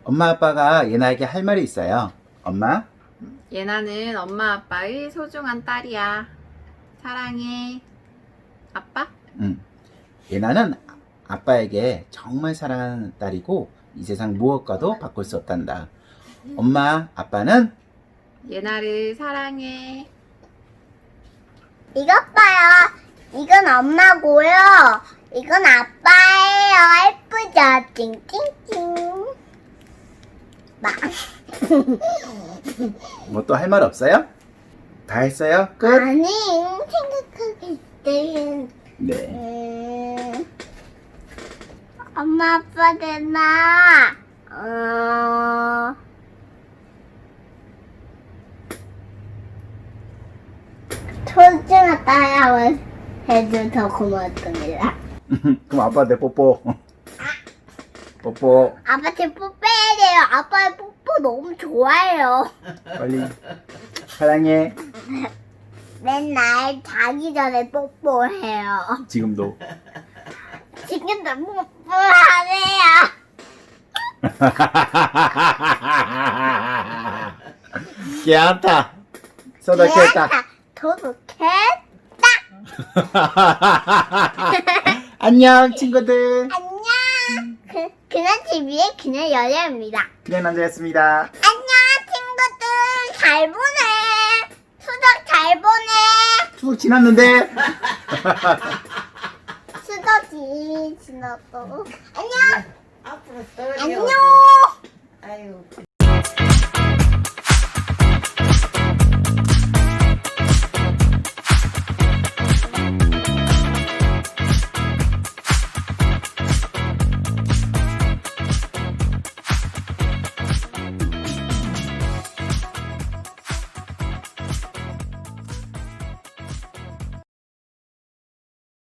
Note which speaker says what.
Speaker 1: 엄마 아빠가 예나에게 할 말이 있어요. 엄마?
Speaker 2: 예나는 엄마 아빠의 소중한 딸이야. 사랑해. 아빠?
Speaker 1: 예나는 아빠에게 정말 사랑하는 딸이고 이 세상 무엇과도 바꿀 수 없단다. 엄마, 아빠는
Speaker 2: 예나를 사랑해.
Speaker 3: 이것 봐요. 이건 엄마고요. 이건 아빠예요. 예쁘죠? 찡찡찡. 막.
Speaker 1: 뭐 또 할 말 없어요? 다 했어요? 끝?
Speaker 3: 아니, 생각하기 때는
Speaker 1: 네.
Speaker 3: 엄마 아빠 되나? 소중한 딸이라고 해도 더 고맙습니다.
Speaker 1: 그럼 아빠한테 뽀뽀. 뽀뽀.
Speaker 3: 아빠한테 뽀뽀해야 돼요. 아빠 뽀뽀 너무 좋아해요.
Speaker 1: 빨리. 사랑해.
Speaker 3: 맨날 자기 전에 뽀뽀해요.
Speaker 1: 지금도.
Speaker 3: 지금도 뽀뽀하네요.
Speaker 1: 귀엽다. 소독했다.
Speaker 3: 도둑해.
Speaker 1: 안녕 친구들.
Speaker 3: 안녕. 그냥 TV의 그냥 여자입니다.
Speaker 1: 그냥 남자였습니다.
Speaker 3: 안녕 친구들 잘 보내. 수덕 잘 보내.
Speaker 1: 추석 지났는데.
Speaker 3: 수덕이 지났어. 안녕.
Speaker 4: 앞으로 또
Speaker 3: 안녕.
Speaker 4: 아유.